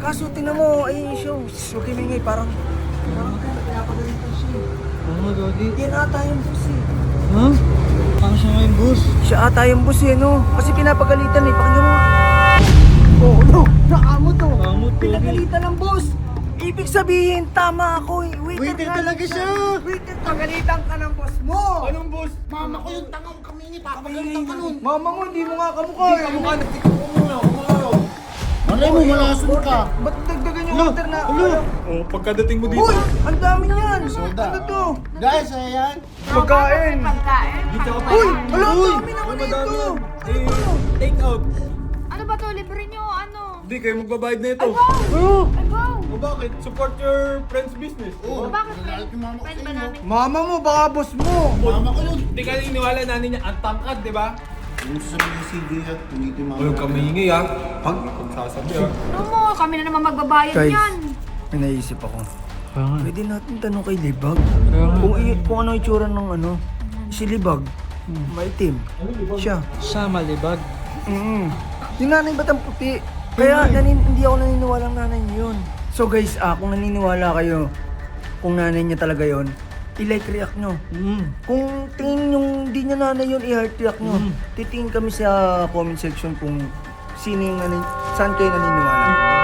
Kaso tinan mo, ayun yung show. Huwag kayo maingay, parang pinapagalitan siya eh. Oo nga, Gagi. Yan ata yung boss eh. Ha? Paano siya ngayon, boss? Siya ata yung boss eh, no? Kasi pinapagalitan eh, pakinggan mo. Oo, no, nakamot to. Nakamot, Gagi. Pinagalitan ng boss. Ibig sabihin, tama ako eh. Waiter nga talaga lang siya. Waiter, pagalitan ka ng boss mo. Anong boss? Mama ko yung tangang kamingit, papagalitan ka nun. Mama mo, hindi mo nga kamukha eh. Kamukha, nagtikip ko muna. Kumakaw. Malay mo, malason ka. Ba't dagdagan yung order na? Oh, pagkadating mo dito. Uy, ang dami niyan. Soda. Ano to? Guys, ayan. Pagkain. Pagkain? Dito ka pa. Uy, wala, ang Uy, dami naman madami dito. yan. Ano to? Take out. Ano ba to? Libre nyo? Ano? Hindi, kayo magbabayad na ito. Ay, wow! Ay, wow! O bakit? Support your friend's business. Oo, Bakit? nagalit yung mama ko Friend sa ba inyo. namin? Mama mo, baka boss mo. Mama ko yun. Hindi ka iniwala nanin niya. Ang tangkad, di ba? Yung sasabihin yung CD at hindi yung mama. Huwag kang mahingi ha. Pagsasabi ha. Ano mo? Kami na naman magbabayad Guys. yan. May naisip ako. Kaya nga. Pwede natin tanong kay Libag. Kaya nga. Kung ano itsura ng ano, si Libag. Maitim. Siya. Siya malibag. Yung nanay ba't ang puti? Kaya hindi ako naniniwala ng nanay niya yun. So guys, kung naniniwala kayo, kung nanay niya talaga yun, i-like react nyo. Kung tingin yung di niya nanay yun, i-heart react nyo. Titingin kami sa comment section kung sino yung saan kayo naniniwala.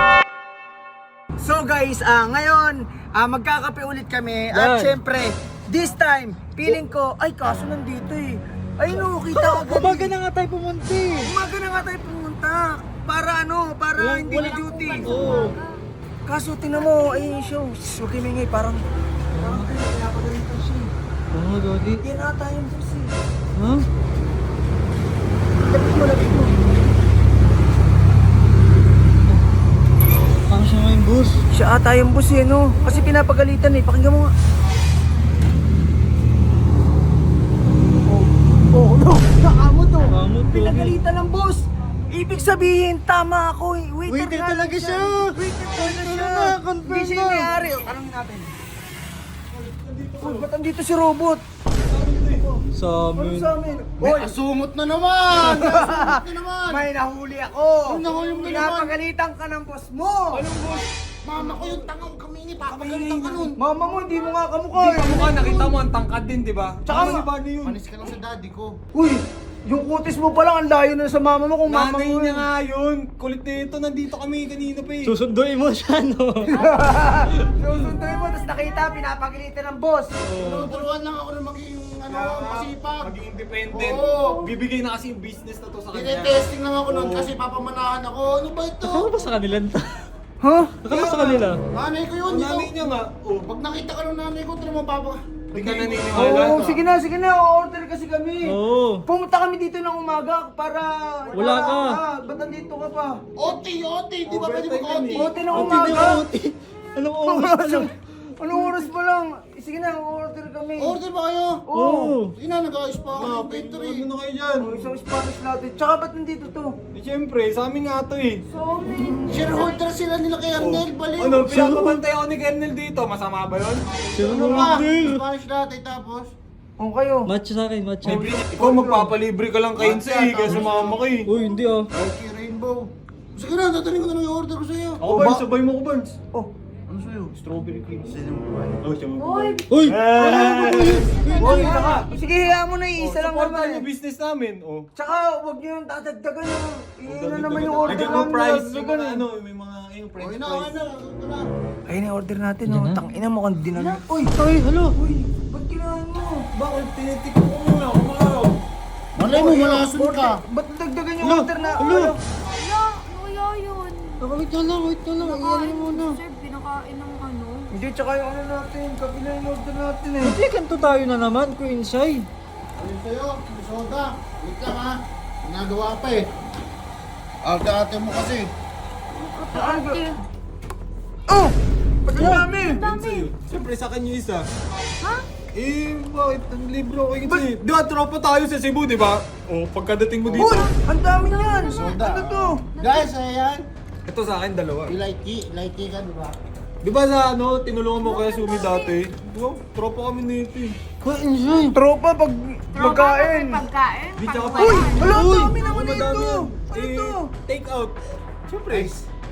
So guys, ngayon, magkakape ulit kami. At Yan. syempre, this time, feeling ko, ay kaso nandito eh. Ay no, kita agad. Umaga na nga tayo pumunti. Umaga na nga tayo pumunta. Para para hindi na duty. Oo. Kaso tinan mo, ayun yung show. Huwag kayo maingay, parang pinapagalitan siya eh. Oo nga, Gagi. Yan ata yung boss eh. Ha? Lapit mo. Paano siya ngayon, boss? Siya ata yung boss eh, no? Kasi pinapagalitan eh. Pakinggan mo nga. Oh, no. Nakamot to. Nakamot, Gagi. Pinagalitan ng boss. Ibig sabihin, tama ako eh. Waiter nga talaga lang siya. Waiter talaga Confirm siya. na, confirm Hindi siya na. yung may-ari. Tanongin natin. Uy, ba't andito si Robot? Sa Ano amin. sa amin? May Hoy, asumot na naman! May asumot na naman! may nahuli ako. Ay, nahuli mo na naman. Pinapagalitan ka ng boss mo. Anong boss? Mama ko yung tangang kamingit, papagalitan ka nun. Mama mo, hindi mo nga kamukha Hindi eh. kamukha, nakita mo ang tangkad din, di ba? Tsaka Ano ba yun? Manis ka lang sa daddy ko. Uy, yung kutis mo pa lang, ang layo na sa mama mo kung mama Nanay mo. niya nga yun. Kulit nito, nandito kami kanina pa eh. Susunduin mo siya, no? Susunduin mo, tapos nakita, pinapagalitan ng boss. Turuan lang ako na maging masipag. Maging independent. Oo. Bibigay na kasi yung business na to sa kanya. Tine-testing lang ako nun Oo. kasi papamanahan ako. Ano ba ito? Akala ba sa kanila? Ha? Akala sa kanila? Nanay ko yun, Ang nanay dito. niya nga. Oh, Pag nakita ka ng nanay ko, tira mo papa. hindi ka naniniwala. Oo, sige na, order kasi kami. Oo. Pumunta kami dito ng umaga para... Wala ka. Ba't nandito ka pa? Oti, di ba pwede Overtime mag-oti? yan Ote ng Oti umaga. na oti. Anong oras? Anong oras pa lang? Sige na, order kami. Order ba kayo? Oo. Sige na, nag-ayos pa ako ng inventory. Ano na kayo dyan? Isang Spanish latte. Tsaka ba't nandito to? Eh, siyempre, sa amin nga to eh. Sorry. Shareholder sila nila kay Arnel, baliw. Ano, pinapabantay ako ni Kernel dito. Masama ba yun? Ano ba? Susunduin. Spanish latte tapos? O kayo. Matcha sa akin, matcha. Ikaw magpapalibre ka lang kay Inse eh. Kaya sumama ka eh. Uy, hindi ah. Mikey Rainbow. Sige na, tatanin ko na lang yung order ko sa'yo. Ako Barnes, sabay mo ko Barnes. Oh. Ano sa'yo? Strawberry cream. Sino mo ba? Oh, siya mo. Uy! Uy! Uy, saka. Sige, hiya mo na isa lang Supportan naman. yung business namin. Oh. Tsaka, huwag niyo yung dadagdagan na. Iyon na naman yung order Bigyan mo namin. price. Yung Dadagdagan mga eh. ano, may mga yung Okay french na, fries. okay na. Okay na. Ayun na yung order natin, Yan oh. na. Tangina mo kung di na. Uy, Uy, halo! uy, ba't kailangan mo? Bakit tinitik ko muna? Kumakaw. Malay mo, malason ka. Ba't dagdagan yung Hello, order na? hello. Ano? Wala! Ano kaya yun? Wait na lang, wait na lang. Iyan Nakain mo mo na. sir, pinakain ng ano. Hindi, tsaka yung ano natin. Kapi na yung order natin eh. Hindi, kanto tayo na naman, Queen Sai. Ayun sa'yo, may soda. Wait lang ha. Ginagawa pa eh. Ate mo kasi. Ate! Oh! Ba't ang dami? Ang dami! Siyempre sa kanya isa. Ha? Eh, bakit? Ang libro ko kasi. Di ba, tropa tayo sa Cebu, di ba? Oh, pagkadating mo dito. Uy! Ang dami niyan! Soda. Ano to? Guys, ayan. Ito sa akin, dalawa. Ilike ka, di ba? Di ba sa ano, tinulungan mo kaya Sumi dati? Di ba, tropa kami nito eh. Queen Sai. Tropa pag magkain. Pagkain? Di tsaka Uy! Wala, ang Uy! dami naman Madami ito! yan. Ano Eh, to? Take out. Siyempre,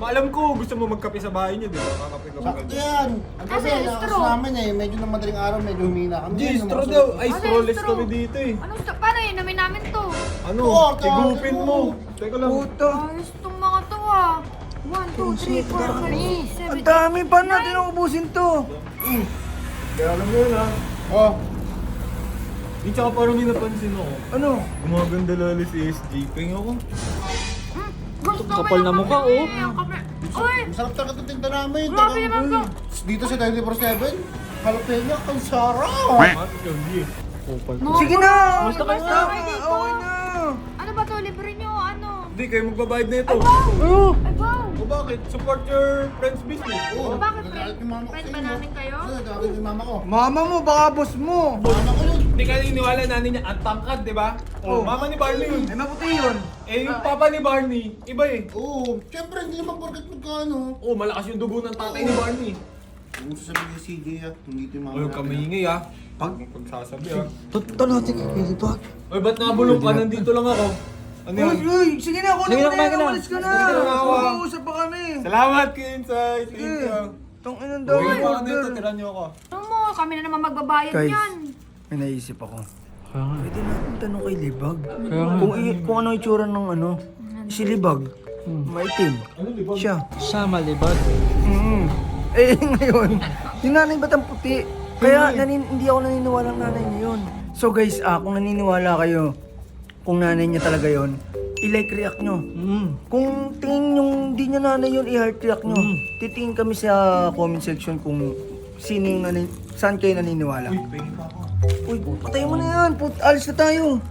Maalam ko, gusto mo magkape sa bahay niyo, di ba? Kakape ka Sakto yan. Ang Kasi kasi, lakas straw. namin eh. Medyo na madaling araw, medyo humina kami. Hindi, Ngayon, straw lumakas daw. ulit. Ay, Ano strawless straw? kami dito eh. Paano inumin namin to? Ano? Oo, Igupin mo. Teka lang. Puto. Ayos tong mga to ah. 1, 2, 3, 4, 5, 6, 7, Ang dami, paano natin ubusin to? Kaya alam mo yun ha. Oh, Di tsaka parang may napansin ako. Ano? Gumaganda lalo si SG. Ping ako. Gusto ko Kapal na yung mukha, kape, oh. yung kape. Uy! masarap talaga itong tinta namin. Grabe naman to. Dito sa 24/7, jalapeno, ang sarap. Matik yun, di. Kupal. Sige na! Basta Basta kayo ka, dito. okay na! Ano ba to? Libre nyo? Ano? Hindi, kayo magbabayad na ito. Ay, wow! Ay, wow! O bakit? Support your friend's business. Oo, Bakit, nagalit yung mama ko friend sa ba inyo. namin kayo? Oo, nagalit yung mama ko. Mama mo, baka boss mo! Mama ko yun. Hindi ka niniwala nanin niya, ang tangkad, di ba? Oh, mama ni Barney yun. Eh, maputi yun. Eh, yung papa ni Barney, iba eh. Oo, syempre hindi naman porket magkano. Oh, malakas yung dugo ng tatay ni Barney. Yung sasabihin ni CJ ah, hindi ito yung mama Oy, natin. kamingay ah. Pagsasabi ah. Punta natin kay Pilibag. Oy, ba't nabulong ka? Nandito lang ako. Ano Uy, yan? uy, sige na, kunin Sige mo na, na yan, kumain ka na. umalis ka na! Sige na, awa. Mag-uusap pa kami! Salamat, Kinsay. Thank Sige, you. tong inang daw Uy, yung ano ito? order. Tira niyo ako. Ano mo? Kami na naman magbabayad Guys. yan. May naisip ako. Kaya nga. Pwede natin tanong kay Libag. Kaya nga. Kung ano itsura ng ano, si Libag. Maitim. Siya. Siya malibag. Mm. Eh ngayon, yung nanay ba't ang puti? Kaya hindi ako naniniwala ng nanay niya yun. So guys, kung naniniwala kayo, kung nanay niya talaga yun, i-like react nyo. Kung tingin yung di niya nanay yun, i-heart react nyo. Titingin kami sa comment section kung saan kayo naniniwala. Uy, pingin pa ako. Uy, patay mo na yan. Alis na tayo.